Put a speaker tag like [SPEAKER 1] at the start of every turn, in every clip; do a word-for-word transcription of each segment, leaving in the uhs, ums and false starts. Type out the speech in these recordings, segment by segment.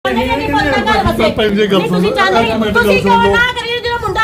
[SPEAKER 1] ਤੁਸੀਂ ਚਾਹੁੰਦੇ ਤੁਸੀਂ ਕਿਉਂ ਨਾ ਕਰੀਏ ਜਿਹੜਾ ਮੁੰਡਾ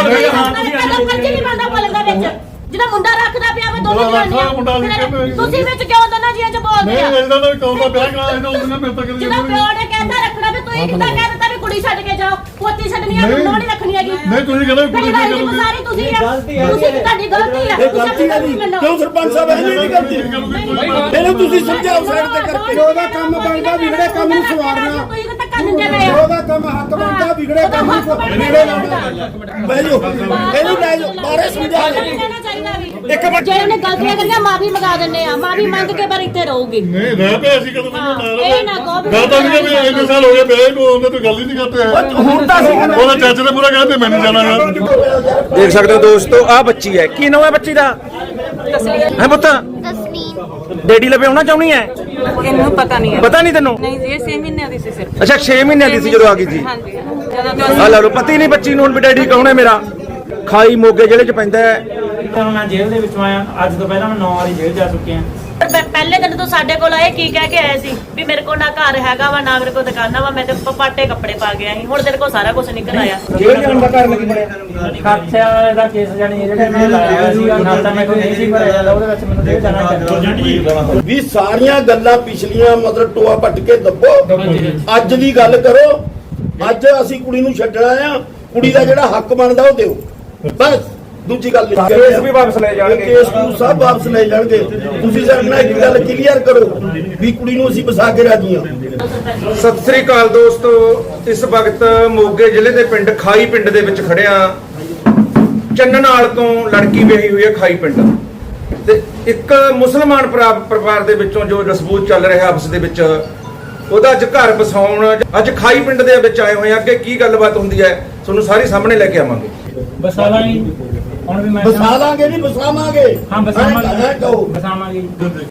[SPEAKER 1] ਰੱਖਣਾ ਜਿਹੜਾ ਮੁੰਡਾ ਰੱਖਦਾ ਪਿਆ ਵਾ ਦੋਨੋਂ ਜਣੀਆਂ ਤੁਸੀਂ ਵਿੱਚ ਕਿਉਂ ਦੋਨਾਂ ਜੀਆਂ ਚ ਬੋਲਦੇ ਆ?
[SPEAKER 2] ਨਹੀਂ ਇਹਦਾ ਤਾਂ ਕੌਣ ਦਾ ਵਿਆਹ ਕਰਾਇਆ ਇਹਦਾ ਉਹਨੇ ਮੇਰੇ ਤੱਕ
[SPEAKER 1] ਜਿਹੜਾ ਪਿਓ ਨੇ ਕਹਿੰਦਾ ਰੱਖਣਾ ਵੀ ਤੁਸੀਂ ਕਿੱਦਾਂ ਕਹਿ ਦਿੱਤਾ ਵੀ ਕੁੜੀ ਛੱਡ ਕੇ ਜਾਓ, ਪੋਤੀ ਛੱਡਣੀ ਆ, ਮੁੰਡਾ ਨਹੀਂ ਰੱਖਣੀ ਹੈਗੀ।
[SPEAKER 2] ਨਹੀਂ ਤੁਸੀਂ ਕਹਿੰਦੇ ਕੁੜੀ
[SPEAKER 1] ਛੱਡ ਕੇ ਸਾਰੀ ਤੁਸੀਂ ਤੁਸੀਂ ਤੁਹਾਡੀ ਗਲਤੀ ਆ।
[SPEAKER 3] ਗਲਤੀ ਹੈ ਨਹੀਂ ਕਿਉਂ ਸਰਪੰਚ ਸਾਹਿਬ ਇਹ ਨਹੀਂ ਕਰਦੇ ਇਹਨੂੰ ਤੁਸੀਂ ਸਮਝਾਓ ਸਾਈਡ ਤੇ ਕਰਕੇ ਉਹਦਾ ਕੰਮ ਬਣਦਾ ਵਿਗੜੇ ਕੰਮ ਨੂੰ ਸਵਾਰਨਾ ਉਹਦਾ ਕੰਮ ਹੱਕ ਬਣਦਾ ਵਿਗੜੇ ਕੰਮ ਨੂੰ ਵਿਗੜੇ ਲਾਉਣਾ ਬਹਿ ਜਾਓ ਇਹਨੂੰ ਲੈ ਜਾਓ ਬਾਰੇ ਸਮਝਾ
[SPEAKER 1] ਇੱਕ ਮਿੰਟ ਜੇ ਉਹਨੇ ਗਲਤੀਆਂ ਕਰੀਆਂ ਮਾਫੀ ਮੰਗਾ ਦਿੰਨੇ ਆ, ਮਾਫੀ ਮੰਗ ਕੇ ਪਰ ਇੱਥੇ ਰਹੂਗੀ।
[SPEAKER 2] ਨਹੀਂ ਰਹਿ ਪਿਆ ਅਸੀਂ ਕਦੋਂ ਨਾਲ
[SPEAKER 1] ਇਹ ਨਾ ਕਹੋ
[SPEAKER 2] ਗੱਲ ਤਾਂ ਨਹੀਂ ਵੀ ਇੰਨੇ ਸਾਲ ਹੋ ਗਏ ਵਿਆਹ ਨੂੰ ਉਹਨੇ ਤੋਂ ਗੱਲ ਹੀ ਨਹੀਂ ਕਰਦੇ
[SPEAKER 3] ਹੁਣ ਤਾਂ
[SPEAKER 2] ਉਹਦਾ ਚਾਚੇ ਨੇ ਪੂਰਾ ਕਹਿੰਦੇ ਮੈਨੂੰ ਜਾਣਾ ਯਾਰ।
[SPEAKER 4] ਦੇਖ ਸਕਦੇ ਹੋ ਦੋਸਤੋ ਆਹ ਬੱਚੀ ਹੈ, ਕੀ ਨਾਮ ਹੈ ਬੱਚੀ ਦਾ?
[SPEAKER 5] ਤਸਲੀਮ।
[SPEAKER 4] ਹੈ ਪੁੱਤ
[SPEAKER 5] ਤਸਲੀਮ।
[SPEAKER 4] ਡੈਡੀ ਲਵੇ ਆਉਣਾ ਚਾਹੁੰਦੀ ਹੈ?
[SPEAKER 5] ਇਹਨੂੰ ਪਤਾ ਨਹੀਂ ਹੈ।
[SPEAKER 4] ਪਤਾ ਨਹੀਂ ਤੈਨੂੰ?
[SPEAKER 5] ਨਹੀਂ ਜੀ ਇਹ ਛੇ ਮਹੀਨਿਆਂ ਦੀ ਸੀ ਸਿਰਫ।
[SPEAKER 4] ਅੱਛਾ ਛੇ ਮਹੀਨਿਆਂ ਦੀ ਸੀ ਜਦੋਂ ਆ ਗਈ ਸੀ।
[SPEAKER 5] ਹਾਂਜੀ ਜਦੋਂ ਤੋਂ
[SPEAKER 4] ਆ ਲੈ ਲਓ ਪਤੀ ਨਹੀਂ ਬੱਚੀ ਨੂੰ ਹੁਣ ਵੀ ਡੈਡੀ ਕੌਣ ਹੈ ਮੇਰਾ। ਖਾਈ ਮੋਗੇ ਜ਼ਿਲ੍ਹੇ ਚ ਪੈਂਦਾ ਹੈ।
[SPEAKER 6] ਹੁਣ ਮੈਂ ਜੇਲ੍ਹ ਦੇ ਵਿੱਚੋਂ ਆਇਆ, ਅੱਜ ਤੋਂ ਪਹਿਲਾਂ ਮੈਂ ਨੌ ਵਾਰੀ ਜੇਲ੍ਹ ਜਾ ਚੁੱਕਿਆ।
[SPEAKER 1] ਪਹਿਲੇ ਦਿਨ ਤੋਂ ਸਾਡੇ ਕੋਲ ਆਏ ਕੀ ਕਹਿ ਕੇ ਆਏ ਸੀ ਵੀ ਮੇਰੇ ਕੋਲ ਨਾ ਘਰ ਹੈਗਾ ਵਾ ਨਾ ਮੇਰੇ ਕੋਲ ਦੁਕਾਨਾਂ ਵਾ, ਮੈਂ ਤੇ ਪਾਟੇ ਕੱਪੜੇ ਪਾ ਗਿਆ ਸੀ। ਹੁਣ ਤੇਰੇ ਕੋਲ ਸਾਰਾ ਕੁਝ ਨਿਕਲ ਆਇਆ।
[SPEAKER 4] ਜੇਲ੍ਹ ਜਾਣ ਦਾ ਕਾਰਨ ਕੀ ਬਣਿਆ?
[SPEAKER 6] ਖਰਚਾ ਦਾ ਕੇਸ ਜਾਨੀ ਜਿਹੜੇ ਮੈਂ ਲਾਇਆ ਹੋਇਆ ਸੀਗਾ, ਨਾਲ ਤਾਂ ਮੈਂ ਕੋਈ ਨਹੀਂ ਸੀ ਭਰਿਆ ਜਾਂਦਾ, ਉਹਦੇ ਵਿੱਚ ਮੈਨੂੰ ਜੇਲ੍ਹ ਜਾਣਾ ਪੈਂਦਾ
[SPEAKER 3] ਵੀ ਸਾਰੀਆਂ ਗੱਲਾਂ ਪਿਛਲੀਆਂ ਮਤਲਬ ਟੋਆ ਪੱਟ ਕੇ ਦੱਬੋ, ਅੱਜ ਦੀ ਗੱਲ ਕਰੋ। ਅੱਜ ਅਸੀਂ ਕੁੜੀ ਨੂੰ ਛੱਡਣਾ ਆ, ਕੁੜੀ ਦਾ ਜਿਹੜਾ ਹੱਕ ਬਣਦਾ ਉਹ ਦਿਓ ਬਸ। ਦੂਜੀ ਗੱਲ
[SPEAKER 4] ਕੇਸ ਵੀ ਵਾਪਸ ਲੈ ਜਾਣਗੇ,
[SPEAKER 3] ਕੇਸ ਨੂੰ ਸਭ ਵਾਪਸ ਲੈ ਜਾਣਗੇ। ਤੁਸੀਂ ਸਾਡੇ ਨਾਲ ਇੱਕ ਗੱਲ ਕਲੀਅਰ ਕਰੋ ਵੀ ਕੁੜੀ ਨੂੰ ਅਸੀਂ ਵਸਾ ਕੇ ਰਾਜੀ ਹਾਂ।
[SPEAKER 4] ਸਤਿ ਸ੍ਰੀ ਅਕਾਲ ਦੋਸਤੋ, ਇਸ ਵਕਤ ਮੋਗੇ ਜ਼ਿਲ੍ਹੇ ਦੇ ਪਿੰਡ ਖਾਈ ਪਿੰਡ ਦੇ ਵਿੱਚ ਖੜਿਆ। ਚੰਨਨਾਲ ਤੋਂ ਲੜਕੀ ਵਿਆਹੀ ਹੋਈ ਹੈ ਖਾਈ ਪਿੰਡ, ਤੇ ਇੱਕ ਮੁਸਲਮਾਨ ਪਰਿਵਾ- ਪਰਿਵਾਰ ਦੇ ਵਿੱਚੋਂ ਜੋ ਰਸਬੂਤ ਚੱਲ ਰਿਹਾ ਆਪਸ ਦੇ ਵਿੱਚ, ਉਹਦਾ ਅੱਜ ਘਰ ਵਸਾਉਣ ਅੱਜ ਖਾਈ ਪਿੰਡ ਦੇ ਵਿੱਚ ਆਏ ਹੋਏ ਆ। ਅੱਗੇ ਕੀ ਗੱਲਬਾਤ ਹੁੰਦੀ ਹੈ ਤੁਹਾਨੂੰ ਸਾਰੀ ਸਾਹਮਣੇ ਲੈ ਕੇ ਆਵਾਂਗੇ।
[SPEAKER 6] ਬਸਾਲਾ ਹੀ ਹੁਣ ਵੀ ਮੈਂ
[SPEAKER 3] ਵਸਾ ਲਾਂਗੇ ਨਹੀਂ ਵਸਾਵਾਂਗੇ।
[SPEAKER 6] ਹਾਂ ਬਸਾਵਾਂਗੇ
[SPEAKER 3] ਕਹੋ
[SPEAKER 6] ਬਸਾਵਾਂਗੇ।